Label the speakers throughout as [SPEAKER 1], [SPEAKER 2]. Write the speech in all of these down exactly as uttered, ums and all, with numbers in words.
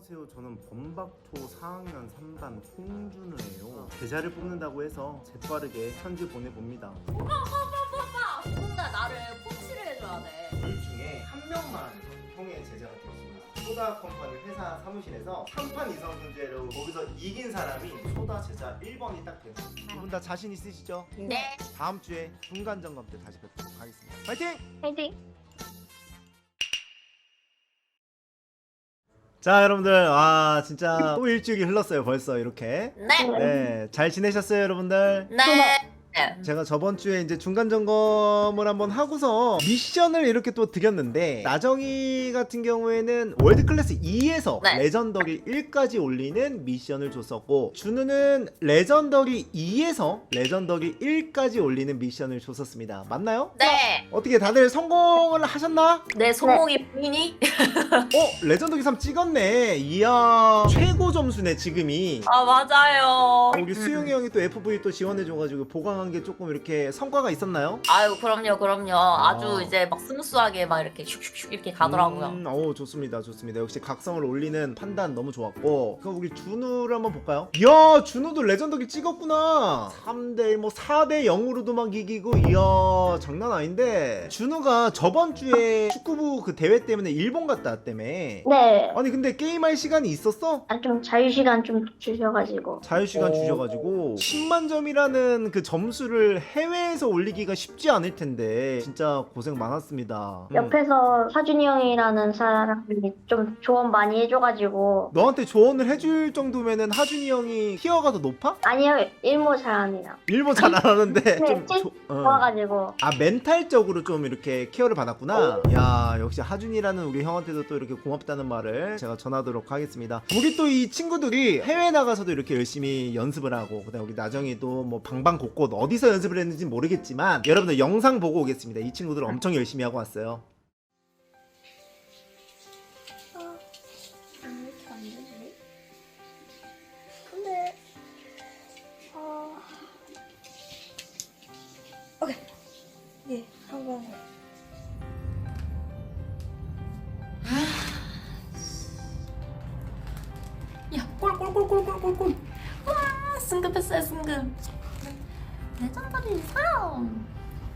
[SPEAKER 1] 안녕하세요. 저는 범박초 사 학년 삼 반 홍준우예요. 제자를 뽑는다고 해서 재빠르게 편지 보내봅니다.
[SPEAKER 2] 오빠 오빠 오빠 오빠 누군가 나를 코치를 해줘야 돼.
[SPEAKER 1] 둘 중에 한 명만 형의 제자가 되었습니다. 소다 컴퍼니 회사 사무실에서 삼 판 이상 문제로 거기서 이긴 사람이 소다 제자 일 번이 딱 되었습니다. 두 분 다 자신 있으시죠?
[SPEAKER 2] 네.
[SPEAKER 1] 다음 주에 중간 점검 때 다시 뵙도록 하겠습니다. 파이팅!
[SPEAKER 3] 파이팅!
[SPEAKER 1] 자, 여러분들, 아 진짜 또 일주일이 흘렀어요. 벌써 이렇게.
[SPEAKER 2] 네.
[SPEAKER 1] 네, 잘 지내셨어요, 여러분들?
[SPEAKER 2] 네.
[SPEAKER 1] 제가 저번 주에 이제 중간 점검을 한번 하고서 미션을 이렇게 또 드렸는데, 나정이 같은 경우에는 월드 클래스 이에서
[SPEAKER 2] 네.
[SPEAKER 1] 레전더리 일까지 올리는 미션을 줬었고, 준우는 레전더리 이에서 레전더리 일까지 올리는 미션을 줬었습니다. 맞나요?
[SPEAKER 2] 네.
[SPEAKER 1] 어떻게 다들 성공을 하셨나?
[SPEAKER 2] 내 손목이 보이니?
[SPEAKER 1] 어? 레전더리 삼 찍었네. 이야, 최고 점수네 지금이.
[SPEAKER 2] 아 맞아요.
[SPEAKER 1] 우리 수용이 형이 또 에프브이 또 지원해줘가지고 보강한 게 조금 이렇게 성과가 있었나요?
[SPEAKER 2] 아유 그럼요 그럼요. 아주
[SPEAKER 1] 아.
[SPEAKER 2] 이제 막 스무스하게 막 이렇게 슉슉슉 이렇게 가더라고요.
[SPEAKER 1] 음, 오, 좋습니다 좋습니다. 역시 각성을 올리는 판단 너무 좋았고, 그럼 우리 준우를 한번 볼까요? 이야, 준우도 레전더기 찍었구나. 삼 대 일, 뭐 사 대 영으로도 막 이기고, 이야 장난 아닌데. 준우가 저번 주에 축구부 그 대회 때문에 일본 갔다 왔다며.
[SPEAKER 3] 네.
[SPEAKER 1] 아니 근데 게임할 시간이 있었어?
[SPEAKER 3] 아, 좀 자유시간 좀 주셔가지고.
[SPEAKER 1] 자유시간
[SPEAKER 2] 오.
[SPEAKER 1] 주셔가지고 십만 점이라는 그 점수를 해외에서 올리기가 쉽지 않을 텐데 진짜 고생 많았습니다. 음.
[SPEAKER 3] 옆에서 사준이 형이라는 사람이 좀 조언 많이 해줘가지고.
[SPEAKER 1] 너한테 조언을 해줄 정도면은 하준이 형이 티어가 더 높아?
[SPEAKER 3] 아니요, 일모 잘합니다.
[SPEAKER 1] 일본 잘 안 하는데
[SPEAKER 3] 네,
[SPEAKER 1] 좀
[SPEAKER 3] 찐
[SPEAKER 1] 조- 어.
[SPEAKER 3] 좋아가지고.
[SPEAKER 1] 아, 멘탈적으로 좀 이렇게 케어를 받았구나. 야, 역시 하준이라는 우리 형한테도 또 이렇게 고맙다는 말을 제가 전하도록 하겠습니다. 우리 또 이 친구들이 해외 나가서도 이렇게 열심히 연습을 하고, 그다음 우리 나정이도 뭐 방방곡곡 어디서 연습을 했는지 모르겠지만 여러분들 영상 보고 오겠습니다. 이 친구들 엄청 열심히 하고 왔어요.
[SPEAKER 3] 이렇게 안 되지? 근데, 어... 오케이. 예, 한번.
[SPEAKER 2] 야 꼴꼴꼴꼴꼴꼴꼴. 와 승급했어요 승급. 레전더리 삼.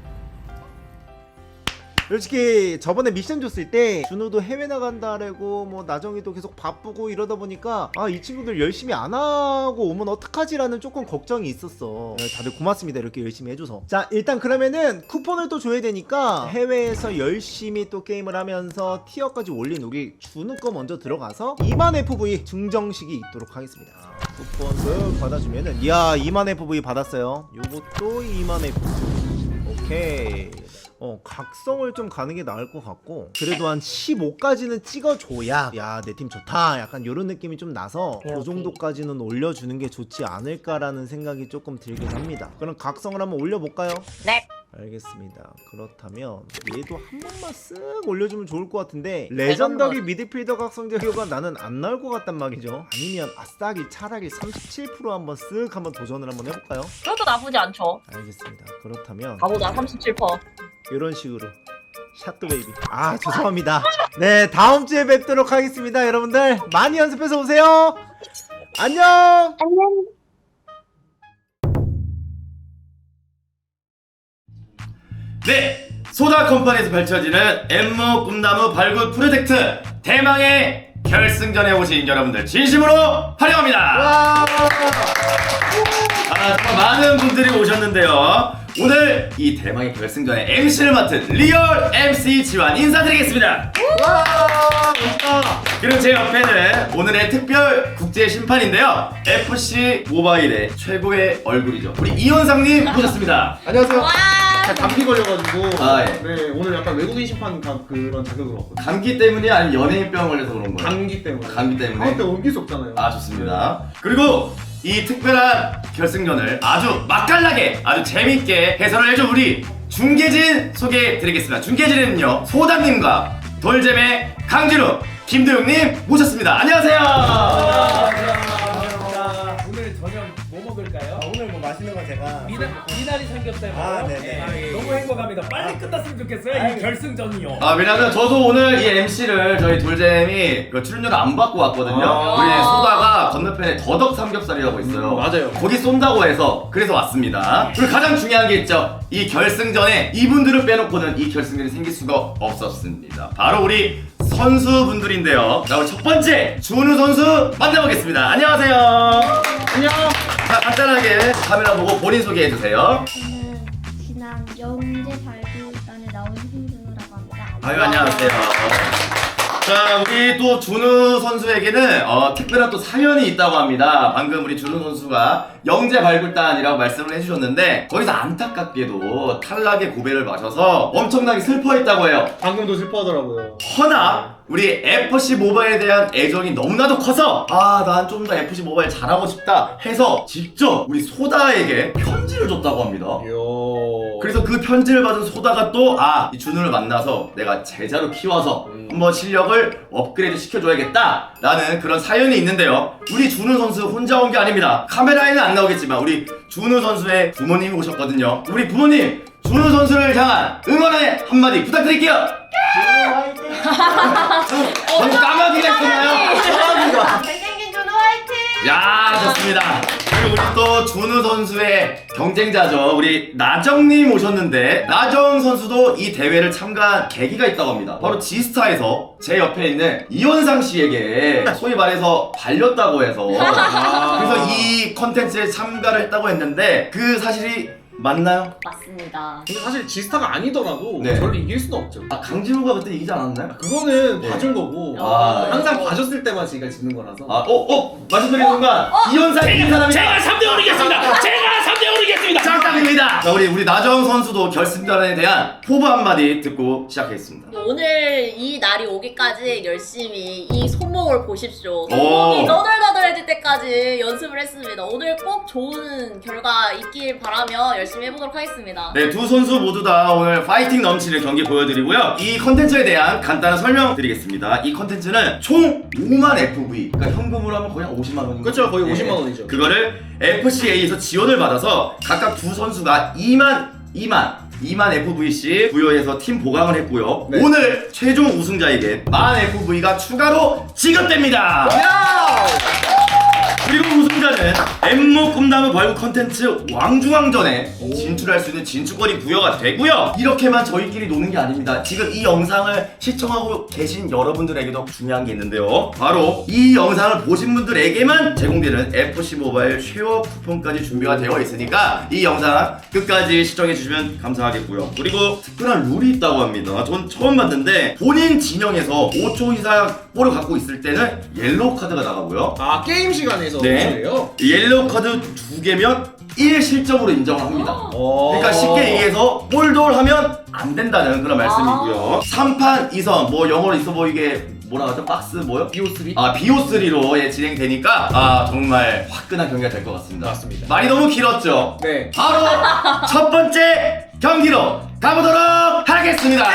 [SPEAKER 1] 솔직히 저번에 미션 줬을 때 준호도 해외 나간다라고 뭐 나정이도 계속 바쁘고 이러다 보니까 아, 이 친구들 열심히 안 하고 오면 어떡하지라는 조금 걱정이 있었어. 네, 다들 고맙습니다. 이렇게 열심히 해줘서. 자, 일단 그러면은 쿠폰을 또 줘야 되니까 해외에서 열심히 또 게임을 하면서 티어까지 올린 우리 준호 거 먼저 들어가서 이만 에프브이 증정식이 있도록 하겠습니다. 쿠폰 쓱 받아주면은, 이야, 이만 에프브이 받았어요. 요것도 이만 에프브이. 오케이. 어, 각성을 좀 가는 게 나을 것 같고, 그래도 한 십오까지는 찍어줘야 야, 내 팀 좋다 약간 요런 느낌이 좀 나서 그 정도까지는 올려주는 게 좋지 않을까라는 생각이 조금 들긴 합니다. 그럼 각성을 한번 올려볼까요?
[SPEAKER 2] 네.
[SPEAKER 1] 알겠습니다. 그렇다면 얘도 한 번만 쓱 올려주면 좋을 것 같은데, 레전더리 미드필더 각성 재료가 나는 안 나올 것 같단 말이죠. 아니면 아싸기 차라리 삼십칠 퍼센트 한번 쓱 한번 도전을 한번 해볼까요?
[SPEAKER 2] 그것도 나쁘지 않죠.
[SPEAKER 1] 알겠습니다. 그렇다면
[SPEAKER 2] 가보자 삼십칠 퍼센트.
[SPEAKER 1] 이런 식으로 샷도 베이비. 아, 죄송합니다. 네, 다음 주에 뵙도록 하겠습니다. 여러분들 많이 연습해서 오세요. 안녕.
[SPEAKER 3] 안녕.
[SPEAKER 4] 네! 소다 컴퍼니에서 펼쳐지는 엠모 꿈나무 발굴 프로젝트 대망의 결승전에 오신 여러분들 진심으로 환영합니다!
[SPEAKER 1] 와.
[SPEAKER 4] 아, 정말 많은 분들이 오셨는데요. 오늘 이 대망의 결승전의 엠씨를 맡은 리얼 엠씨 지환 인사드리겠습니다.
[SPEAKER 1] 와. 멋있다.
[SPEAKER 4] 그리고 제 옆에는 오늘의 특별 국제 심판인데요. 에프씨 모바일의 최고의 얼굴이죠. 우리 이현상님 모셨습니다.
[SPEAKER 5] 안녕하세요.
[SPEAKER 2] 와.
[SPEAKER 5] 감기 걸려가지고
[SPEAKER 4] 아, 예.
[SPEAKER 5] 네, 오늘 약간 외국인 심판 가, 그런 자격으로 왔거든요.
[SPEAKER 4] 감기 때문이 아니면 연예인병 걸려서 그런 거예요?
[SPEAKER 5] 감기 때문에.
[SPEAKER 4] 감기 때문에?
[SPEAKER 5] 다음 때 옮길 수 없잖아요.
[SPEAKER 4] 아, 좋습니다. 그리고 이 특별한 결승전을 아주 맛깔나게 아주 재밌게 해설을 해줄 우리 중계진 소개해드리겠습니다. 중계진은요, 소담님과 돌잼의 강진우, 김도영님 모셨습니다. 안녕하세요.
[SPEAKER 6] 오늘 저녁 뭐 먹을까요?
[SPEAKER 1] 오늘 뭐 맛있는 거 제가
[SPEAKER 6] 미나 미나리 삼겹살 먹어요?
[SPEAKER 1] 아, 네네.
[SPEAKER 6] 아, 예,
[SPEAKER 7] 너무
[SPEAKER 6] 예.
[SPEAKER 7] 행복합니다. 빨리 끝났으면 좋겠어요. 이 결승전이요.
[SPEAKER 4] 아 왜냐면 저도 오늘 이 엠씨를 저희 돌잼이 그 출연료를 안 받고 왔거든요.
[SPEAKER 5] 아.
[SPEAKER 4] 우리 소다가 건너편에 더덕 삼겹살이라고 있어요.
[SPEAKER 5] 음, 맞아요.
[SPEAKER 4] 거기 쏜다고 해서 그래서 왔습니다. 그리고 가장 중요한 게 있죠. 이 결승전에 이분들을 빼놓고는 이 결승전이 생길 수가 없었습니다. 바로 우리 선수분들인데요. 자, 우리 첫 번째 준우 선수 만나보겠습니다. 안녕하세요.
[SPEAKER 5] 안녕.
[SPEAKER 4] 자, 간단하게 카메라 보고 본인 소개해 주세요.
[SPEAKER 8] 저는 지난 영재 발굴단에 나온 신준우라고 합니다.
[SPEAKER 4] 아유 안녕하세요. 자 우리 또 준우 선수에게는 어, 특별한 또 사연이 있다고 합니다. 방금 우리 준우 선수가 영재 발굴단이라고 말씀을 해주셨는데 거기서 안타깝게도 탈락의 고배를 마셔서 엄청나게 슬퍼했다고 해요.
[SPEAKER 5] 방금도 슬퍼하더라고요.
[SPEAKER 4] 허나 우리 에프씨 모바일에 대한 애정이 너무나도 커서 아 난 좀 더 에프씨 모바일 잘하고 싶다 해서 직접 우리 소다에게 편지를 줬다고 합니다.
[SPEAKER 5] 이야.
[SPEAKER 4] 그래서 그 편지를 받은 소다가 또 아 이 준우를 만나서 내가 제자로 키워서
[SPEAKER 5] 음.
[SPEAKER 4] 한번 실력을 업그레이드 시켜줘야겠다 라는 그런 사연이 있는데요. 우리 준우 선수 혼자 온 게 아닙니다. 카메라에는 안 나오겠지만 우리 준우 선수의 부모님이 오셨거든요. 우리 부모님 준우 선수를 향한 응원의 한마디 부탁드릴게요. 너무 까마귀가 있었나요? 까마귀가.
[SPEAKER 2] 잘생긴 준호 화이팅!
[SPEAKER 4] 야 좋습니다. 그리고 우리 또 준우 선수의 경쟁자죠. 우리 나정님 오셨는데 나정 선수도 이 대회를 참가한 계기가 있다고 합니다. 바로 지스타에서 제 옆에 있는 이원상 씨에게 소위 말해서 발렸다고 해서 그래서 이 컨텐츠에 참가를 했다고 했는데 그 사실이 맞나요?
[SPEAKER 2] 맞습니다.
[SPEAKER 5] 근데 사실 지스타가 아니더라도
[SPEAKER 4] 네.
[SPEAKER 5] 저를 이길 수는 없죠.
[SPEAKER 4] 아 강진우가 그때 이기지 않았나요?
[SPEAKER 5] 그거는
[SPEAKER 4] 네.
[SPEAKER 5] 봐준 거고
[SPEAKER 4] 아,
[SPEAKER 5] 항상 봐줬을 때만 제가 지는 거라서.
[SPEAKER 4] 아, 어, 어, 말씀드리는 순간 이현상 이긴 사람이
[SPEAKER 7] 제가 삼 대 오르겠습니다. 제가 삼 대 오르겠습니다.
[SPEAKER 4] 정답입니다. 자, 우리 우리 나정 선수도 결승전에 대한 포부 한마디 듣고 시작하겠습니다.
[SPEAKER 2] 오늘 이 날이 오기까지 열심히 이 손목을 보십시오.
[SPEAKER 4] 오.
[SPEAKER 2] 손목이 너덜너덜해질 때까지 연습을 했습니다. 오늘 꼭 좋은 결과 있길 바라며 열심히 해보도록 하겠습니다.
[SPEAKER 4] 네, 두 선수 모두 다 오늘 파이팅 넘치는 경기 보여드리고요. 이 컨텐츠에 대한 간단한 설명 드리겠습니다. 이 컨텐츠는 총 오만 에프브이, 그러니까 현금으로 하면 거의 한 오십만 원인 거죠?
[SPEAKER 5] 그렇죠, 거의 오십만 원이죠.
[SPEAKER 4] 그거를 에프씨에이에서 지원을 받아서 각각 두 선수가 이만, 이만, 이만 에프브이씩 부여해서 팀 보강을 했고요.
[SPEAKER 5] 네.
[SPEAKER 4] 오늘 최종 우승자에게 만 에프브이가 추가로 지급됩니다. 그리고 우승자는 엠모 꿈나무 벌금 컨텐츠 왕중왕전에 진출할 수 있는 진출권이 부여가 되고요. 이렇게만 저희끼리 노는 게 아닙니다. 지금 이 영상을 시청하고 계신 여러분들에게도 중요한 게 있는데요. 바로 이 영상을 보신 분들에게만 제공되는 에프씨 모바일 쉐어 쿠폰까지 준비가 되어 있으니까 이 영상 끝까지 시청해 주시면 감사하겠고요. 그리고 특별한 룰이 있다고 합니다. 전 처음 봤는데 본인 진영에서 오 초 이상 볼을 갖고 있을 때는 옐로우 카드가 나가고요.
[SPEAKER 5] 아 게임 시간에서
[SPEAKER 4] 네.
[SPEAKER 5] 그래요?
[SPEAKER 4] 옐로우 카드 두 개면 일 실점으로 인정을 합니다.
[SPEAKER 5] 어.
[SPEAKER 4] 그러니까 쉽게 얘기해서 볼돌 하면 안 된다는 그런 말씀이고요. 삼 판 이 선, 뭐 영어로 있어 보이게 뭐라 하죠? 박스 뭐요?
[SPEAKER 5] 비오쓰리?
[SPEAKER 4] 아 비오쓰리로 예, 진행되니까 아 정말 화끈한 경기가 될 것 같습니다.
[SPEAKER 5] 맞습니다.
[SPEAKER 4] 말이 너무 길었죠?
[SPEAKER 5] 네.
[SPEAKER 4] 바로 첫 번째 경기로 가보도록 하겠습니다.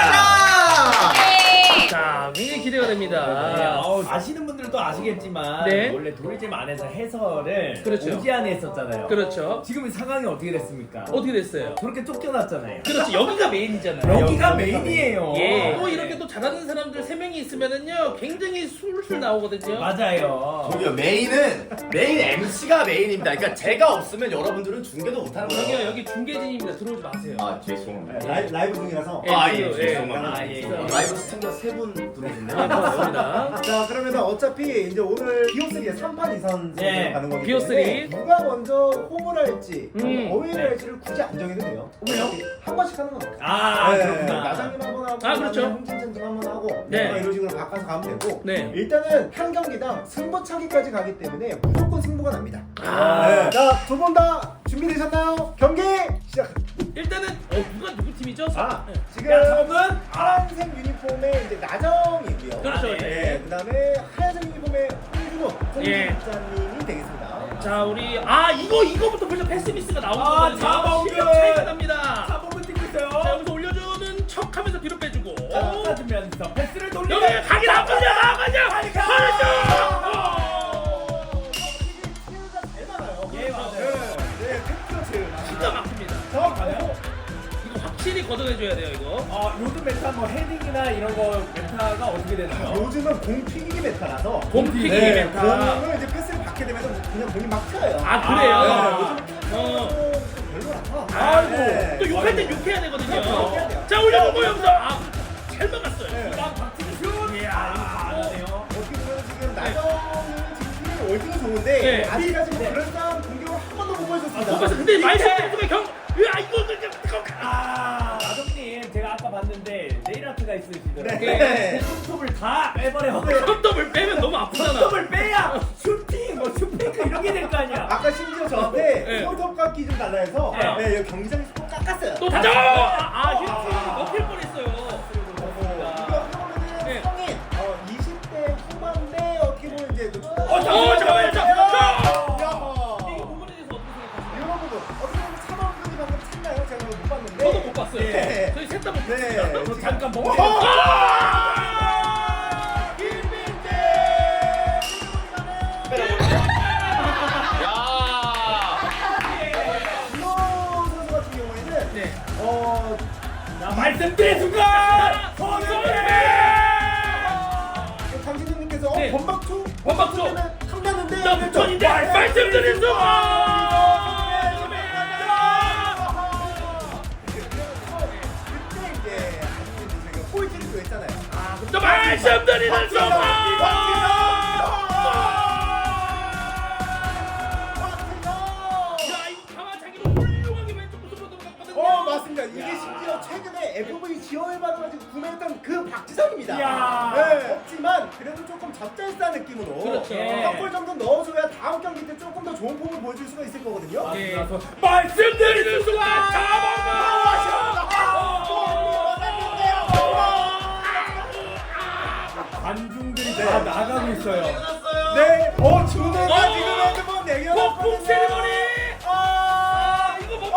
[SPEAKER 6] 자, 굉장히 기대가 됩니다.
[SPEAKER 7] 네, 어, 아시는 분들도 아시겠지만
[SPEAKER 6] 네.
[SPEAKER 7] 원래 도리잼 안에서 해설을
[SPEAKER 6] 그렇죠.
[SPEAKER 7] 오지안에 했었잖아요.
[SPEAKER 6] 그렇죠.
[SPEAKER 7] 지금 이 상황이 어떻게 됐습니까?
[SPEAKER 6] 어떻게 됐어요?
[SPEAKER 7] 저렇게 쫓겨났잖아요.
[SPEAKER 6] 그렇지, 여기가 메인이잖아요.
[SPEAKER 7] 여기가 메인이에요.
[SPEAKER 6] 예. 또 이렇게 또 잘하는 사람들 세 명이 있으면은요, 굉장히 술술 나오거든요.
[SPEAKER 7] 맞아요.
[SPEAKER 4] 저기요 메인은 메인 엠씨가 메인입니다. 그러니까 제가 없으면 여러분들은 중계도 못하는 거예요.
[SPEAKER 6] 여기요, 여기 중계진입니다. 들어오지 마세요.
[SPEAKER 4] 아 죄송합니다.
[SPEAKER 1] 라이, 라이브 중이라서.
[SPEAKER 6] 예,
[SPEAKER 4] 아, 예,
[SPEAKER 6] 예,
[SPEAKER 4] 죄송합니다.
[SPEAKER 7] 아, 예, 예.
[SPEAKER 4] 라이브 시청자 세 분 들어오셨네요.
[SPEAKER 6] 네, 고맙습니다.
[SPEAKER 1] 자 그러면 어차피 이제 오늘 비오쓰리에 삼 판 이 선
[SPEAKER 7] 네,
[SPEAKER 1] 가는 거기
[SPEAKER 6] 비오쓰리.
[SPEAKER 1] 때문에 누가 먼저 홈을 할지
[SPEAKER 6] 음.
[SPEAKER 1] 어웨이를 할지를 굳이 안 정해도 돼요. 왜요? 한 번씩 하는 건 없어요.
[SPEAKER 7] 아,
[SPEAKER 1] 네,
[SPEAKER 7] 그렇구나.
[SPEAKER 1] 나장님 한 번 하고
[SPEAKER 6] 아, 그렇죠.
[SPEAKER 1] 홍진찬님 한 번 하고
[SPEAKER 6] 네.
[SPEAKER 1] 뭔가 이런 식으로 바꿔서 가면 되고
[SPEAKER 6] 네.
[SPEAKER 1] 일단은 한 경기당 승부차기까지 가기 때문에 무조건 승부가 납니다.
[SPEAKER 6] 아.
[SPEAKER 1] 네. 자두 분 다 준비되셨나요? 경기 시작!
[SPEAKER 6] 일단은, 어, 누가 누구 팀이죠?
[SPEAKER 1] 아
[SPEAKER 6] 네.
[SPEAKER 1] 지금
[SPEAKER 7] 야, 저분
[SPEAKER 1] 파란색 유니폼에 이제 나정이고요.
[SPEAKER 6] 그렇죠.
[SPEAKER 7] 아, 네.
[SPEAKER 1] 네, 그다음에 하얀색 유니폼에 홍준호
[SPEAKER 6] 예.
[SPEAKER 1] 홍진찬님이 되겠습니다.
[SPEAKER 6] 자, 우리, 아, 이거, 이거부터 벌써 패스미스가 나오는
[SPEAKER 7] 아,
[SPEAKER 6] 거거든요.
[SPEAKER 7] 자범근.
[SPEAKER 6] 실력 차이가 납니다.
[SPEAKER 7] 사범을 뛰고 있어요.
[SPEAKER 6] 자, 여기서 올려주는 척 하면서 뒤로 빼주고.
[SPEAKER 7] 자, 빠지면서 패스를 돌리면
[SPEAKER 6] 여기 가긴 안 가냐, 안 가냐! 가냐!
[SPEAKER 1] 제일 많아요.
[SPEAKER 7] 예, 맞아요.
[SPEAKER 1] 네, 네, 팩트가 제일 많아요.
[SPEAKER 6] 기가 막힙니다.
[SPEAKER 1] 자,
[SPEAKER 6] 알려줘야 돼요 이거.
[SPEAKER 7] 어, 요즘 메타 뭐 헤딩이나 이런 거 메타가 어떻게 되나요?
[SPEAKER 9] 요즘은 공 튀기기 메타라서
[SPEAKER 6] 공 튀기기
[SPEAKER 9] 네,
[SPEAKER 6] 메타.
[SPEAKER 9] 공을 이제 패스를 받게 되면 그냥 공이 막 튀어요.
[SPEAKER 6] 아 그래요?
[SPEAKER 9] 네, 요즘
[SPEAKER 6] 어.
[SPEAKER 9] 별로라서.
[SPEAKER 6] 아이고
[SPEAKER 9] 네.
[SPEAKER 6] 또 욕할 땐 욕해야 되거든요.
[SPEAKER 9] 그렇죠, 욕해야 돼요.
[SPEAKER 6] 자 올려보고 여기서 아잘 막았어요.
[SPEAKER 9] 네.
[SPEAKER 7] 난 박진희 슛! 이야 이거 잘하네요.
[SPEAKER 9] 어떻게 보면 지금 나정은 지금 팀이 월등히 좋은데
[SPEAKER 6] 네.
[SPEAKER 9] 아직까지 뭐 그런 싸움 공격을 한 번도 못 보여줬습니다.
[SPEAKER 6] 그래서 근데 마이스 선수가 경, 야 이거 그냥 그거
[SPEAKER 7] 아 나정님 제가 아까 봤는데 네일아트가 있으시더라고요.
[SPEAKER 9] 네.
[SPEAKER 7] 손톱을 다 빼버려.
[SPEAKER 6] 컵더블 빼면 너무 아프잖아.
[SPEAKER 7] 손톱을 빼야 슈팅 뭐 슈페이크 이런 게 될 거 아니야.
[SPEAKER 9] 아까 심지어 저한테
[SPEAKER 6] 네.
[SPEAKER 9] 손톱 깎기 좀 달라 해서
[SPEAKER 6] 네.
[SPEAKER 9] 네, 여기 경기장에서 또 깎았어요.
[SPEAKER 6] 또 다져. 아 휴팅 먹힐 뻔했어요.
[SPEAKER 9] 이거 보면은
[SPEAKER 6] 네.
[SPEAKER 9] 성인 어, 이십 대 후반대 어떻게 보면 이제 그 초등-
[SPEAKER 6] 어 잠깐만 잠깐만 잠깐만.
[SPEAKER 9] 야.
[SPEAKER 6] 이 부분에 대해서 어떻게 생각하세요?
[SPEAKER 9] 이런 부분 어떻게 보면 삼원분이 방금 찼나요? 제가 못 봤는데.
[SPEAKER 6] 저도 못 봤어요.
[SPEAKER 9] 네.
[SPEAKER 6] 저희 셋 다 못
[SPEAKER 9] 네.
[SPEAKER 6] 봤어요.
[SPEAKER 7] 저 잠깐 뭐
[SPEAKER 9] 이호 선수 같은 경우에는
[SPEAKER 6] 네.
[SPEAKER 9] 어
[SPEAKER 7] 말씀드린 순간
[SPEAKER 9] 강진우님께서 어,
[SPEAKER 6] 네.
[SPEAKER 9] 범박투
[SPEAKER 6] 범박투.
[SPEAKER 9] 탐나는데
[SPEAKER 6] 나 부천인데 말씀드린 순간.
[SPEAKER 9] 그때 이제 아직은 제가 꼴찌를 또 했잖아요. 아,
[SPEAKER 6] 또 말씀드리는 순간. 야 이거 가마차기로 훌륭하게 왼쪽 무슨 보도 갔거든요.
[SPEAKER 9] 어 맞습니다. 이게 심지어 최근에 에프브이 지원을 받아가지고 구매했던 그 박지성입니다.
[SPEAKER 7] 이야.
[SPEAKER 9] 네, 없지만 그래도 조금 젖잘싸 느낌으로
[SPEAKER 6] 그렇죠.
[SPEAKER 9] 한 골 정도 넣어줘야 다음 경기 때 조금 더 좋은 폼을 보여줄 수가 있을 거거든요.
[SPEAKER 6] 예.
[SPEAKER 7] 말씀드리는 순간 관중들이 다 나가고 있어요.
[SPEAKER 9] 네, 어 준우가
[SPEAKER 6] 어!
[SPEAKER 9] 지금 핸드폰
[SPEAKER 6] 폭풍
[SPEAKER 9] 내겨놨거든요.
[SPEAKER 6] 세리머니.
[SPEAKER 9] 아,
[SPEAKER 6] 이거 못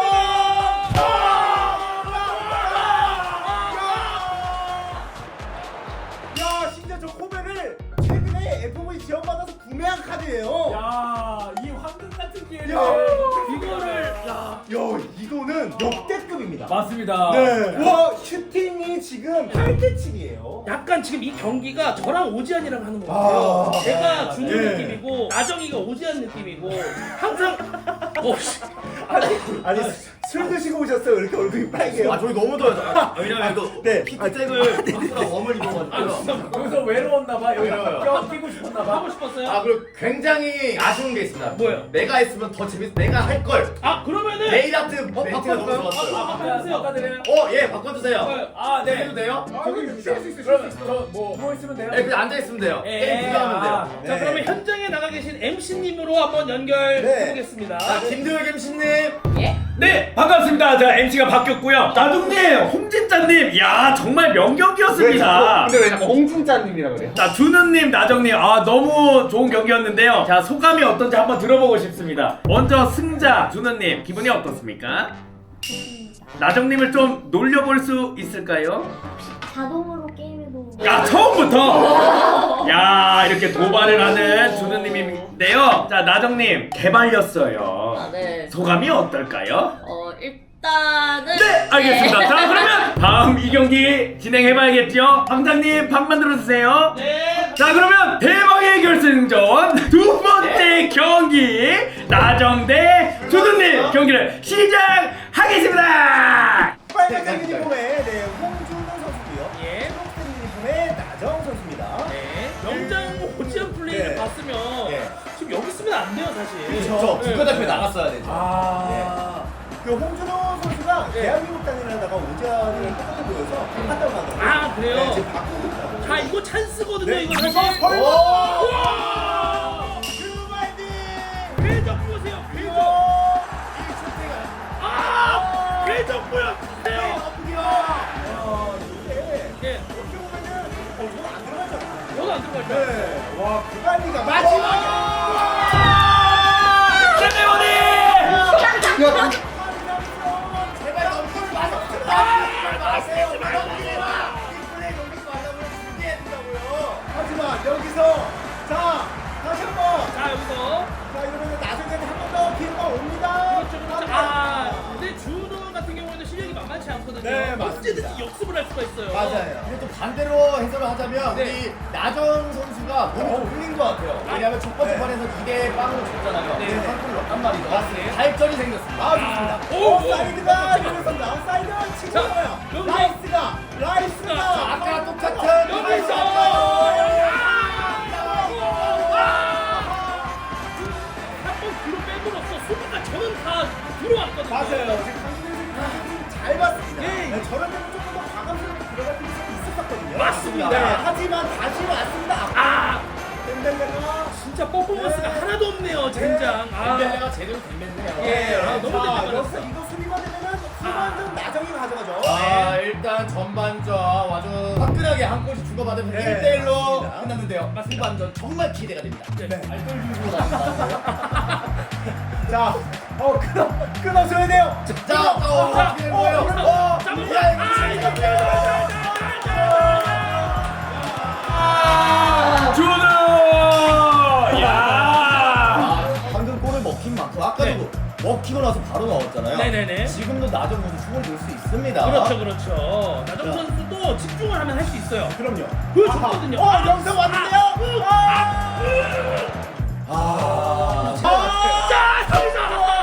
[SPEAKER 9] 야, 심지어 저 코베를 최근에 에프브이 지원받아서 구매한 카드예요.
[SPEAKER 7] 야, 이 황금 같은 기회를
[SPEAKER 9] 야.
[SPEAKER 6] 이거를 야.
[SPEAKER 9] 야, 이거는 역대급입니다.
[SPEAKER 7] 맞습니다.
[SPEAKER 9] 네. 와, 슈팅이 지금 팔 대치기예요.
[SPEAKER 6] 약간 지금 이 경기가 저랑 오지안이랑 하는 것
[SPEAKER 9] 아,
[SPEAKER 6] 같아요. 제가 준우
[SPEAKER 9] 네.
[SPEAKER 6] 느낌이고 나정이가 오지안 느낌이고 항상 어 씨.
[SPEAKER 9] 아니, 아니 술 드시고 오셨어요? 이렇게 얼굴이 빨개요.
[SPEAKER 4] 아 저희 너무 더워요. 아, 왜냐면 이거
[SPEAKER 9] 네.
[SPEAKER 4] 피트색을 박스랑 웜을 입어가지고요.
[SPEAKER 7] 여기서 외로웠나봐. 여기
[SPEAKER 9] 네.
[SPEAKER 7] 껴 끼고 싶었나봐.
[SPEAKER 6] 하고 싶었어요?
[SPEAKER 4] 아 그리고 굉장히 아쉬운 게 있습니다.
[SPEAKER 6] 뭐예요?
[SPEAKER 4] 내가 했으면 더 재밌. 내가 할 걸.
[SPEAKER 6] 아 그러면은
[SPEAKER 4] 네일 아트 멘트가 너무
[SPEAKER 6] 바꿔볼까요?
[SPEAKER 4] 좋았어요.
[SPEAKER 6] 아, 바꿔주세요.
[SPEAKER 7] 바꿔드려요.
[SPEAKER 4] 어, 예, 바꿔주세요.
[SPEAKER 7] 아, 네.
[SPEAKER 4] 해도 돼요?
[SPEAKER 9] 저기 쉴수 있어.
[SPEAKER 7] 그럼 저뭐 누워 있으면 돼요?
[SPEAKER 4] 예, 그냥 앉아 있으면 돼요.
[SPEAKER 7] 예,
[SPEAKER 4] 게임 구경하면 돼요.
[SPEAKER 7] 아,
[SPEAKER 6] 자
[SPEAKER 9] 네.
[SPEAKER 6] 그러면 현장에 나가 계신 엠씨님으로 한번 연결해보겠습니다.
[SPEAKER 4] 자, 김도혁 엠씨님.
[SPEAKER 10] 네, 반갑습니다. 자, 엠씨가 바뀌었고요. 나둥님, 홍진짜님, 야 정말 명경기였습니다.
[SPEAKER 5] 근데 왜 자꾸 홍진짜님이라 그래요?
[SPEAKER 10] 자, 준우님, 나정님, 아 너무 좋은 경기였는데요. 자, 소감이 어떤지 한번 들어보고 싶습니다. 먼저 승자 준우님, 기분이 어떻습니까? 나정님을 좀 놀려볼 수 있을까요?
[SPEAKER 8] 자동으로 게임에도
[SPEAKER 10] 야, 처음부터! 야, 이렇게 도발을 하는 준우님인데요. 자, 나정님, 개발렸어요.
[SPEAKER 2] 아, 네.
[SPEAKER 10] 소감이 어떨까요?
[SPEAKER 2] 어 일단은
[SPEAKER 10] 네, 알겠습니다. 자, 그러면 다음 이 경기 진행해봐야겠죠? 방장님, 밥 만들어주세요.
[SPEAKER 6] 네.
[SPEAKER 10] 자, 그러면 대망의 결승전 두 번째 경기 나정 대 준우님 경기를 시작하겠습니다.
[SPEAKER 9] 빨간색 유니폼의 네, 홍준호 선수고요.
[SPEAKER 6] 예.
[SPEAKER 9] 초록색 유니폼의 나정 선수입니다.
[SPEAKER 6] 네. 명장 오지안 플레이를
[SPEAKER 9] 네.
[SPEAKER 6] 봤으면
[SPEAKER 9] 네.
[SPEAKER 6] 지금 여기 있으면 안 돼요 사실.
[SPEAKER 9] 그렇죠.
[SPEAKER 6] 네.
[SPEAKER 4] 국가대표에 나갔어야 되죠.
[SPEAKER 9] 아, 그 홍준호 선수가 대한민국 단일하다가 오지안을 똑같이 보여서 한달 만에.
[SPEAKER 6] 아, 그래요?
[SPEAKER 9] 네, 지금 바꾸고 있다고.
[SPEAKER 6] 자 이거 찬스거든요
[SPEAKER 9] 네,
[SPEAKER 6] 이거
[SPEAKER 9] 이거
[SPEAKER 6] 사실.
[SPEAKER 9] 설마.
[SPEAKER 6] 우와!
[SPEAKER 9] 유마이딩.
[SPEAKER 6] 궤적 보세요 궤적.
[SPEAKER 9] 이 슈팅을.
[SPEAKER 6] 아 궤적 보여주세요. 예.
[SPEAKER 9] 어떻게 보면은 어, 이거 안 들어가잖아.
[SPEAKER 6] 저도 안 들어갈 거야.
[SPEAKER 9] 네. 와, 그 빨리가 마지막에.
[SPEAKER 10] 세레머니!
[SPEAKER 9] 제발 넘기지 마세요. 마세요. 넘기지 마. 이 플레이 넘기지 말라고 준비해준다고요. 하지만 여기서 자 다시 한번
[SPEAKER 6] 자 여기서
[SPEAKER 9] 자 이러면 나중에 한 번 더 기회가 옵니다.
[SPEAKER 6] 그렇죠 그렇죠. 아 근데 준호 같은 경우에는 실력이 만만치 만만치 않거든요.
[SPEAKER 9] 네, 맞습니다.
[SPEAKER 6] 언제든지 역습을 할 수가 있어요.
[SPEAKER 9] 맞아요. 근데 또 반대로 해설을 하자면
[SPEAKER 6] 네.
[SPEAKER 9] 우리 나정 선수가 몸이 좀 풀린 것 같아요. 왜냐하면 첫 번째
[SPEAKER 6] 네.
[SPEAKER 9] 판에서 이 대 빵으로 졌잖아요.
[SPEAKER 6] 네.
[SPEAKER 9] 네. 한 골을 넣었단 말이죠.
[SPEAKER 6] 맞습니다.
[SPEAKER 9] 발전이 생겼습니다. 아, 좋습니다.
[SPEAKER 6] 오,
[SPEAKER 9] 오, 사이드가 이러면서 아웃사이드 치고
[SPEAKER 6] 자,
[SPEAKER 9] 있어요.
[SPEAKER 6] 여기.
[SPEAKER 9] 라이스가 라이스가
[SPEAKER 6] 자,
[SPEAKER 9] 아까 똑같은
[SPEAKER 6] 여기서 한번 뒤로 빼므로써 수비가 저는 다 들어왔거든요.
[SPEAKER 9] 맞아요. 지금 강민수 선수 잘 봤습니다.
[SPEAKER 6] 예.
[SPEAKER 9] 네, 저런 데는 조금 더 과감스럽게 들어갈 필요성이 있었거든요.
[SPEAKER 6] 맞습니다.
[SPEAKER 9] 네, 하지만 다시 왔습니다.
[SPEAKER 6] 아,
[SPEAKER 9] 덴벨레가
[SPEAKER 6] 진짜 퍼포먼스가
[SPEAKER 9] 네.
[SPEAKER 6] 하나도 없네요, 젠장. 아,
[SPEAKER 9] 덴벨레가 제대로 댐했네요.
[SPEAKER 6] 예, 아, 너무
[SPEAKER 9] 자,
[SPEAKER 6] 댐벨레
[SPEAKER 9] 여기서
[SPEAKER 6] 맞았어요.
[SPEAKER 9] 이거 수비만 되면은 후반전 나정이 가져가죠.
[SPEAKER 6] 네.
[SPEAKER 9] 아, 일단 전반전 아주 화끈하게 한 골씩 주고받으면
[SPEAKER 6] 네,
[SPEAKER 9] 일 대 일로
[SPEAKER 6] 맞습니다.
[SPEAKER 9] 끝났는데요.
[SPEAKER 6] 맞습니다.
[SPEAKER 9] 후반전 정말 기대가 됩니다.
[SPEAKER 6] 네.
[SPEAKER 9] 알뜰 중으로 자, 어 끊어 끊어줘야 돼요. 자, 어, 어떻게 된 거예요? 어,
[SPEAKER 6] 잡으면-
[SPEAKER 9] 야, 이거
[SPEAKER 6] 아,
[SPEAKER 9] 진짜
[SPEAKER 6] 이거
[SPEAKER 10] 준우! 야!
[SPEAKER 9] 아, 방금 골을 먹힌 만큼 아까도
[SPEAKER 6] 네.
[SPEAKER 9] 먹히고 나서 바로 나왔잖아요.
[SPEAKER 6] 네네네.
[SPEAKER 9] 지금도 나정 선수 충분히 볼 수 있습니다.
[SPEAKER 6] 그렇죠, 그렇죠. 나정
[SPEAKER 9] 자.
[SPEAKER 6] 선수도 집중을 하면 할 수 있어요.
[SPEAKER 9] 그럼요.
[SPEAKER 6] 보여줬거든요.
[SPEAKER 9] 어, 영상 왔는데요. 아, 아,
[SPEAKER 6] 자, 여기서!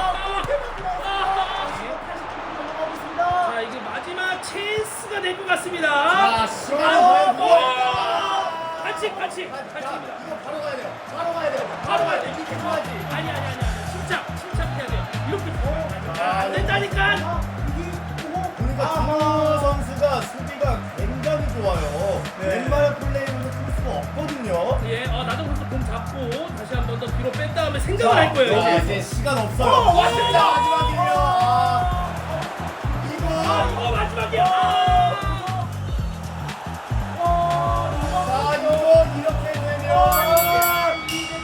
[SPEAKER 9] 아,
[SPEAKER 6] 자, 이게 마지막 찬스가 될 것 같습니다.
[SPEAKER 9] 자, 시간을
[SPEAKER 6] 아,
[SPEAKER 9] 보여주고.
[SPEAKER 6] 오! 반칙, 반칙,
[SPEAKER 9] 자,
[SPEAKER 6] 반칙입니다.
[SPEAKER 9] 이거 바로 가야 돼요. 바로 가야 돼요. 바로 가야 돼. 이렇게 좋아하지.
[SPEAKER 6] 아니, 아니, 아니, 아니. 침착, 침착해야 돼요. 이렇게.
[SPEAKER 9] 아,
[SPEAKER 6] 안 된다니까!
[SPEAKER 9] 그러니까 준호 선수가 수비가 굉장히 좋아요. 웬만한 플레이로는 풀 수가 없거든요.
[SPEAKER 6] 예, 어, 나정 선수 공 잡고 다시 한 번 더 뒤로 뺀 다음에 생각을 할 거예요.
[SPEAKER 9] 자,
[SPEAKER 6] 이제.
[SPEAKER 9] 이제 시간 없어요.
[SPEAKER 6] 어, 왔습니다.
[SPEAKER 9] 자, 마지막이에요. 아,
[SPEAKER 6] 아,
[SPEAKER 9] 이거.
[SPEAKER 6] 이거 마지막이야. 아,
[SPEAKER 9] 자, 이거 이렇게 되면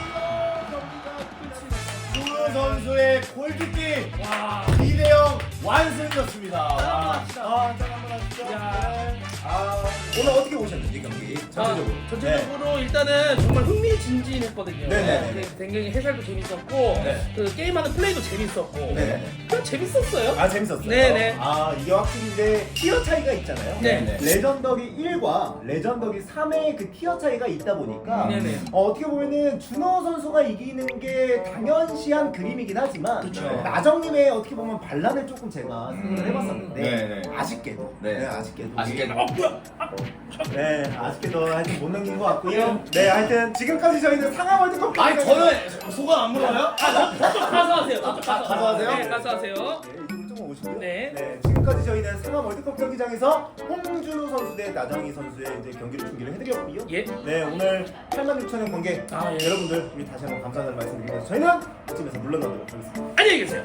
[SPEAKER 9] 준호 선수의 골키킥
[SPEAKER 6] 와.
[SPEAKER 9] 이 대 영 완승이었습니다. 와.
[SPEAKER 6] 합시다.
[SPEAKER 9] 아, 짠 한번 하시죠.
[SPEAKER 6] 야.
[SPEAKER 9] 네. 아, 오늘 어떻게 보셨는지 경기 전체적으로.
[SPEAKER 6] 아, 전체적으로 일단은 정말 흥미진진했거든요.
[SPEAKER 9] 네네.
[SPEAKER 6] 네, 굉장히 해설도 재밌었고
[SPEAKER 9] 네.
[SPEAKER 6] 그 게임하는 플레이도 재밌었고
[SPEAKER 9] 네.
[SPEAKER 6] 그냥 재밌었어요.
[SPEAKER 9] 아, 재밌었어요.
[SPEAKER 6] 네네.
[SPEAKER 9] 아, 이게 확실히 이제 티어 차이가 있잖아요.
[SPEAKER 6] 네.
[SPEAKER 9] 레전더기 일과 레전더기 삼의 그 티어 차이가 있다 보니까
[SPEAKER 6] 네네.
[SPEAKER 9] 어, 어떻게 보면은 준호 선수가 이기는 게 당연시한 그림이긴 하지만
[SPEAKER 6] 그쵸.
[SPEAKER 9] 나정님의 어떻게 보면 반란을 조금 제가 생각을 해봤었는데
[SPEAKER 4] 네네.
[SPEAKER 9] 아쉽게도 네, 아쉽게도
[SPEAKER 4] 아쉽게도.
[SPEAKER 6] 어 뭐야? 아,
[SPEAKER 9] 네, 아쉽게도 하여튼 못 넘긴 것 같고요. 네, 하여튼 지금까지 저희는 상하 월드컵
[SPEAKER 4] 아니 저는 소감 안 물어봐요?
[SPEAKER 6] 아, 저쪽 가서 하세요. 저쪽
[SPEAKER 9] 가-
[SPEAKER 6] 가서.
[SPEAKER 9] 가서 하세요?
[SPEAKER 6] 네, 가서 하세요.
[SPEAKER 9] 네, 이쪽으로 좀 오시고요.
[SPEAKER 6] 네.
[SPEAKER 9] 네, 지금까지 저희는 상암 월드컵 경기장에서 홍준호 선수 대 나정희 선수의 이제 경기를 중계를 해드렸고요.
[SPEAKER 6] 예.
[SPEAKER 9] 네, 오늘 팔만 육천 원 관계
[SPEAKER 6] 아, 예.
[SPEAKER 9] 여러분들 우리 다시 한번 감사하다는 말씀드리면서 저희는 이쯤에서 물러나도록 하겠습니다.
[SPEAKER 6] 안녕히 계세요.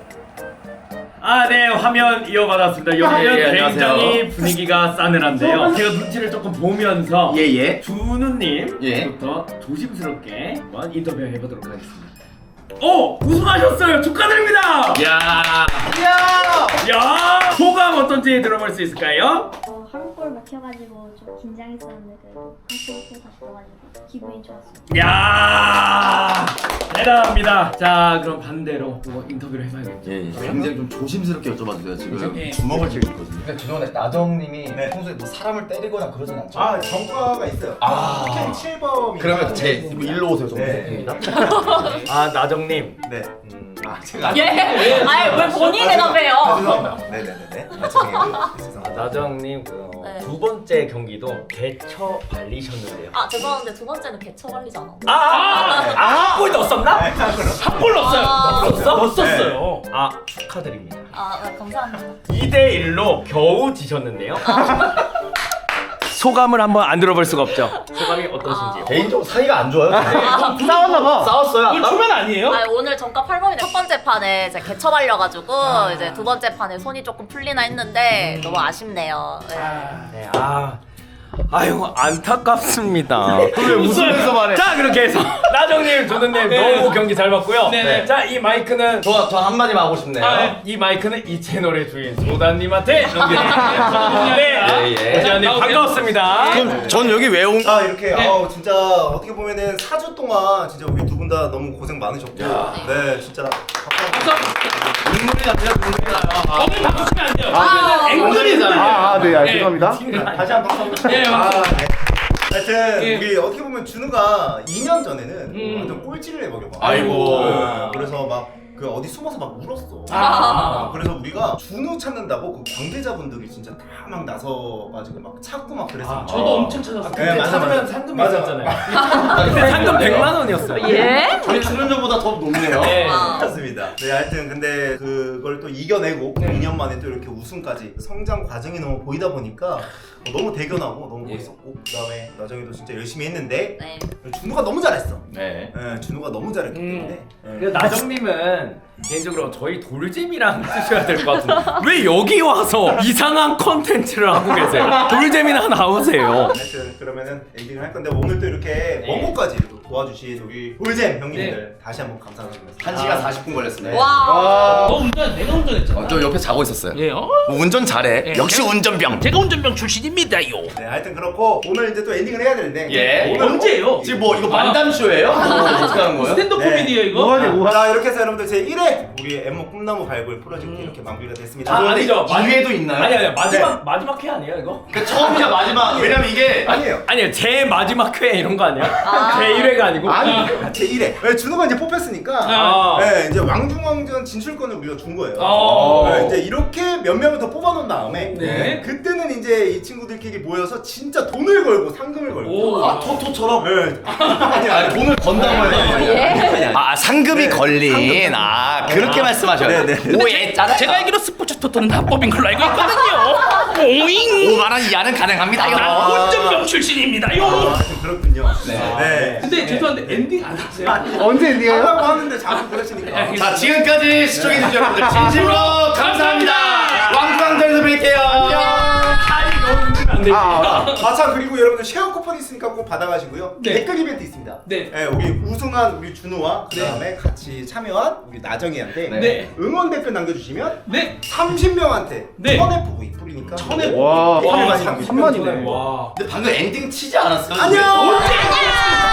[SPEAKER 10] 아, 네, 화면 이어받았습니다. 여기는
[SPEAKER 4] 아, 예, 안녕하세요.
[SPEAKER 10] 굉장히 분위기가 싸늘한데요. 제가 눈치를 조금 보면서
[SPEAKER 4] 예예.
[SPEAKER 10] 준우님부터
[SPEAKER 4] 예.
[SPEAKER 10] 조심스럽게 한번 인터뷰 해보도록 하겠습니다. 오! 우승하셨어요! 축하드립니다!
[SPEAKER 4] 야.
[SPEAKER 10] 야! 소감 어떤지 들어볼 수 있을까요?
[SPEAKER 8] 어, 한 골 먹혀가지고 좀 긴장했었는데 그래도 한골 또 다시 넣어가지고 기분이 좋았어요.
[SPEAKER 10] 야! 대단합니다. 자, 그럼 반대로 뭐 인터뷰를 해봐야겠죠.
[SPEAKER 11] 예, 예. 굉장히 좀 조심스럽게 여쭤봐 주세요. 지금
[SPEAKER 6] 예.
[SPEAKER 11] 주먹을 쥐고 있거든요.
[SPEAKER 5] 근데 죄송한데 나정님이
[SPEAKER 9] 네.
[SPEAKER 5] 평소에 뭐 사람을 때리거나 그러진 않죠?
[SPEAKER 9] 아, 정과가 있어요.
[SPEAKER 5] 아.
[SPEAKER 9] 캔 칠 범이.
[SPEAKER 5] 그러면 제 일로 오세요. 좀
[SPEAKER 9] 네.
[SPEAKER 10] 아, 나정님.
[SPEAKER 9] 네.
[SPEAKER 5] 음.
[SPEAKER 9] 아, 제가
[SPEAKER 2] 예. 아니 왜 본인이 대답해요?
[SPEAKER 9] 아, 죄송합니다. 네네네네. 아, 죄송해요. 죄송합니다.
[SPEAKER 10] 나정님 그
[SPEAKER 2] 네.
[SPEAKER 10] 두 번째 경기도 개처 발리셨는데요.
[SPEAKER 2] 아 죄송한데 두 번째는 개처 관리잖아.
[SPEAKER 10] 아, 아, 아, 한 골 넣었었나?
[SPEAKER 9] 네, 자, 그럼.
[SPEAKER 6] 한 골 넣었어요.
[SPEAKER 2] 아.
[SPEAKER 10] 넣었어?
[SPEAKER 6] 넣었어요.
[SPEAKER 10] 아, 축하드립니다.
[SPEAKER 2] 아 네, 감사합니다.
[SPEAKER 10] 이 대 일로 겨우 지셨는데요. 소감을 한번 안 들어볼 수가 없죠. 소감이 어떠신지요?
[SPEAKER 5] 개인적으로 사이가 안 좋아요.
[SPEAKER 2] 아,
[SPEAKER 9] 싸웠나봐.
[SPEAKER 5] 싸웠어요.
[SPEAKER 6] 이거 초면 아니에요?
[SPEAKER 2] 아 오늘 정가 팔 범인데 첫 번째 판에 이제 개처 발려가지고 이제 두 번째 판에 손이 조금 풀리나 했는데 너무 아쉽네요. 네.
[SPEAKER 6] 아,
[SPEAKER 10] 네, 아, 아유 안타깝습니다.
[SPEAKER 5] 왜 웃으면서 말해?
[SPEAKER 10] 자 그렇게 해서 나정님, 조든님 너무 경기 잘 봤고요.
[SPEAKER 6] 네네.
[SPEAKER 10] 자 이 마이크는
[SPEAKER 5] 저, 저 한마디만 하고 싶네요.
[SPEAKER 6] 아, 네.
[SPEAKER 10] 이 마이크는 이 채널의 주인 소다님한테 넘겨드립니다. 네,
[SPEAKER 5] 예, 예.
[SPEAKER 10] 소다님 반갑습니다.
[SPEAKER 5] 전, 전 여기 왜 온?
[SPEAKER 1] 아 이렇게 아우 진짜 어떻게 보면은 사 주 동안 진짜 우리 두 분 다 너무 고생 많으셨고 네 진짜
[SPEAKER 5] 눈물이 납니다. 눈물이 나요. 아,
[SPEAKER 6] 오늘 바꾸시면 안 돼요.
[SPEAKER 2] 아,
[SPEAKER 6] 앵글이잖아요.
[SPEAKER 1] 아, 네, 아,
[SPEAKER 6] 네.
[SPEAKER 1] 죄송합니다. 다시 한 번 박수.
[SPEAKER 6] 예,
[SPEAKER 1] 아,
[SPEAKER 6] 박수.
[SPEAKER 1] 네. 하여튼
[SPEAKER 6] 예.
[SPEAKER 1] 우리 어떻게 보면 준우가 이 년 전에는
[SPEAKER 6] 음.
[SPEAKER 1] 완전 꼴찌를 해버려.
[SPEAKER 5] 아이고.
[SPEAKER 1] 네, 그래서 막 그 어디 숨어서 막 울었어.
[SPEAKER 6] 아.
[SPEAKER 1] 그래서 우리가 준우 찾는다고 그 관계자분들이 진짜 다 막 나서가지고 막 찾고 막 그랬어.
[SPEAKER 6] 아, 저도 엄청 찾았어요.
[SPEAKER 1] 네, 맞아, 맞아.
[SPEAKER 10] 상금이
[SPEAKER 1] 맞아.
[SPEAKER 10] 있었잖아요. 그때 상금 백만 원이었어요.
[SPEAKER 2] 예?
[SPEAKER 5] 저희 출연료보다 더 높네요.
[SPEAKER 6] 네.
[SPEAKER 2] 아.
[SPEAKER 1] 맞습니다. 네, 하여튼 근데 그걸 또 이겨내고
[SPEAKER 6] 네.
[SPEAKER 1] 이 년 만에 또 이렇게 우승까지 성장 과정이 너무 보이다 보니까 너무 대견하고 너무
[SPEAKER 5] 예.
[SPEAKER 1] 멋있었고 그다음에 나정이도 진짜 열심히 했는데
[SPEAKER 2] 네.
[SPEAKER 1] 준우가 너무 잘했어.
[SPEAKER 5] 네.
[SPEAKER 1] 예, 준우가 너무 잘했기
[SPEAKER 6] 음.
[SPEAKER 1] 때문에 예.
[SPEAKER 10] 그래서 나정님은 개인적으로 저희 돌잼이랑 쓰셔야 될 것 같은데 왜 여기 와서 이상한 컨텐츠를 하고 계세요? 돌잼이나 나오세요.
[SPEAKER 1] 하여튼 그러면은 엔딩을 할 건데 오늘 또 이렇게 먼 곳까지 또 도와주신 우리 돌잼 형님들 다시 한번 감사드리면서
[SPEAKER 5] 한 시간 사십 분 걸렸습니다.
[SPEAKER 2] 와.
[SPEAKER 6] 너 운전, 내가 운전했잖아.
[SPEAKER 5] 어, 저 옆에 자고 있었어요.
[SPEAKER 6] 예, 어?
[SPEAKER 5] 운전 잘해.
[SPEAKER 6] 예.
[SPEAKER 5] 역시 운전병.
[SPEAKER 6] 제가 운전병 출신입니다요.
[SPEAKER 1] 네, 하여튼 그렇고 오늘 이제 또 엔딩을 해야 되는데
[SPEAKER 5] 예.
[SPEAKER 1] 오늘
[SPEAKER 6] 언제예요?
[SPEAKER 5] 지금 뭐 이거 만담쇼예요? 뭐 어떻게 하는 거예요?
[SPEAKER 6] 스탠드
[SPEAKER 1] 네.
[SPEAKER 6] 코미디예요, 이거?
[SPEAKER 1] 자 이렇게 해서 여러분들 제 일 회 우리 엠모 꿈나무 발굴 프로젝트 이렇게 마무리가 됐습니다.
[SPEAKER 10] 아, 아니죠.
[SPEAKER 5] 이 회도 있나요?
[SPEAKER 10] 아니 아니 마지막 마지막 회 아니에요 이거?
[SPEAKER 5] 그 처음이자 마지막. 왜냐면 이게
[SPEAKER 1] 아니에요.
[SPEAKER 10] 아니요 제 마지막 회 이런 거 아니야?
[SPEAKER 2] 아.
[SPEAKER 10] 제 일 회가 아니고?
[SPEAKER 1] 아니 제 일 회. 네, 준호가 이제 뽑혔으니까
[SPEAKER 10] 아.
[SPEAKER 1] 네, 이제 왕중왕전 진출권을 우리가 준 거예요.
[SPEAKER 6] 어.
[SPEAKER 1] 네, 이제 이렇게 몇 명을 더 뽑아놓은 다음에
[SPEAKER 6] 네.
[SPEAKER 1] 그때는 이제 이 친구들끼리 모여서 진짜 돈을 걸고 상금을 걸고
[SPEAKER 6] 오.
[SPEAKER 5] 아 토토처럼.
[SPEAKER 1] 네. 아니
[SPEAKER 5] 아
[SPEAKER 1] 아니
[SPEAKER 5] 돈을 건다고 해요. 아 상금이
[SPEAKER 1] 네,
[SPEAKER 5] 걸린. 아 그렇게 말씀하셔요.
[SPEAKER 1] 네, 네.
[SPEAKER 6] 오예, 제가 알기로 스포츠 토토는 합법인 걸로 알고 있거든요. 오잉.
[SPEAKER 5] 오만 원 이하는 가능합니다요.
[SPEAKER 6] 난 운전병 출신입니다요.
[SPEAKER 1] 아, 하여튼 그렇군요. 네.
[SPEAKER 6] 근데 죄송한데 엔딩 안 하세요?
[SPEAKER 1] 언제 엔딩해요? 하려고 하는데 자꾸 그러시니까.
[SPEAKER 5] 자 지금까지 시청해주신 여러분들 진심으로 감사합니다. 왕중왕전에서 뵐게요.
[SPEAKER 10] 안 되지.
[SPEAKER 1] 아, 아, 참 그리고 여러분들 쉐어 쿠폰 있으니까 꼭 받아가시고요.
[SPEAKER 6] 네.
[SPEAKER 1] 댓글 이벤트 있습니다.
[SPEAKER 6] 네.
[SPEAKER 1] 우리 우승한 우리 준우와 그 다음에 같이 참여한 우리 나정이한테
[SPEAKER 6] 네.
[SPEAKER 1] 응원 댓글 남겨주시면
[SPEAKER 6] 네.
[SPEAKER 1] 삼십 명한테
[SPEAKER 6] 네.
[SPEAKER 1] 천 에프 브이 뿌리니까
[SPEAKER 6] 천에
[SPEAKER 1] 와,
[SPEAKER 6] 와,
[SPEAKER 1] 많이 남겨주세요.
[SPEAKER 6] 와.
[SPEAKER 5] 근데 방금 엔딩 치지 않았어요?
[SPEAKER 1] 안녕.
[SPEAKER 6] 언제?